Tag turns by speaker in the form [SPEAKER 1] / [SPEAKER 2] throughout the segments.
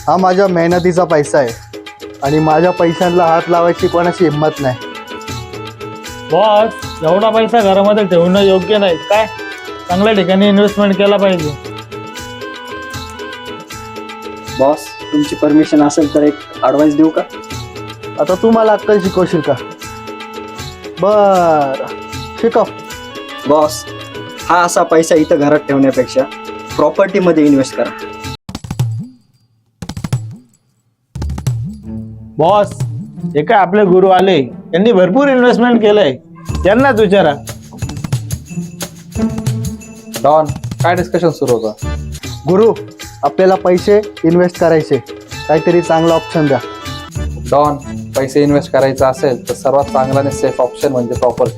[SPEAKER 1] हा माझ्या मेहनतीचा पैसा आहे आणि माझ्या पैशांना हात लावायची कोणाची हिंमत नाही.
[SPEAKER 2] बॉस, एवढा पैसा घरामध्ये ठेवणं योग्य नाही. काय चांगल्या ठिकाणी इन्व्हेस्टमेंट केला पाहिजे.
[SPEAKER 3] बॉस, तुमची परमिशन असेल तर एक ॲडवाइस देऊ का?
[SPEAKER 1] आता तू मला अक्कल शिकवशील का? बर, शिकव.
[SPEAKER 3] बॉस, हा असा पैसा इथं घरात ठेवण्यापेक्षा प्रॉपर्टीमध्ये इन्व्हेस्ट करा.
[SPEAKER 2] बॉस, हे काय आपले गुरु आले, त्यांनी भरपूर इन्व्हेस्टमेंट केलंय, त्यांनाच विचारा.
[SPEAKER 4] डॉन, काय डिस्कशन सुरू होतं?
[SPEAKER 1] गुरु, आपल्याला पैसे इन्व्हेस्ट करायचे, काहीतरी चांगला ऑप्शन द्या.
[SPEAKER 4] डॉन, पैसे इन्व्हेस्ट करायचा असेल तर सर्वात चांगला आणि सेफ ऑप्शन म्हणजे प्रॉपर्टी.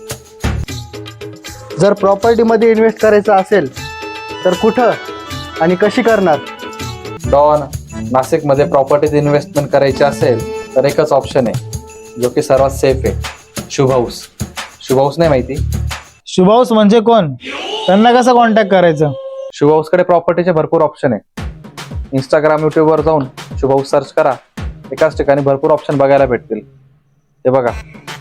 [SPEAKER 1] जर प्रॉपर्टीमध्ये इन्व्हेस्ट करायचं असेल तर कुठं आणि कशी करणार?
[SPEAKER 4] डॉन, नाशिकमध्ये प्रॉपर्टीत इन्व्हेस्टमेंट करायची असेल तर एकच ऑप्शन आहे जो की सर्वात सेफ आहे, शुभ हाऊस. शुभ हाऊस नाही माहिती?
[SPEAKER 2] शुभ हाऊस म्हणजे कोण? त्यांना कसं कॉन्टॅक्ट करायचं?
[SPEAKER 4] शुभ हाऊसकडे प्रॉपर्टीचे भरपूर ऑप्शन आहे. इंस्टाग्राम, यूट्यूबवर जाऊन शुभ हाऊस सर्च करा, एकाच ठिकाणी भरपूर ऑप्शन बघायला भेटतील. ते बघा,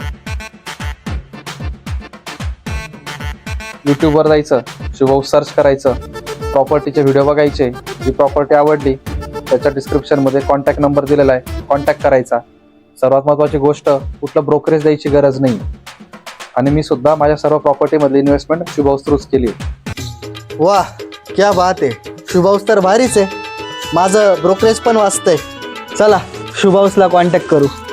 [SPEAKER 4] यूट्यूबवर जायचं, शुभ हाऊस सर्च करायचं, प्रॉपर्टीचे व्हिडिओ बघायचे. जी प्रॉपर्टी आवडली त्याच्या डिस्क्रिप्शनमध्ये कॉन्टॅक्ट नंबर दिलेला आहे, कॉन्टॅक्ट करायचा. सर्वात महत्त्वाची गोष्ट, कुठलं ब्रोकरेज द्यायची गरज नाही. आणि मी सुद्धा माझ्या सर्व प्रॉपर्टीमधली इन्व्हेस्टमेंट शुभ हाऊस थ्रूच केली.
[SPEAKER 1] वाह, क्या बात आहे. शुभ हाऊस तर भारीच आहे. माझं ब्रोकरेज पण वाचतंय. चला शुभ हाऊसला कॉन्टॅक्ट करू.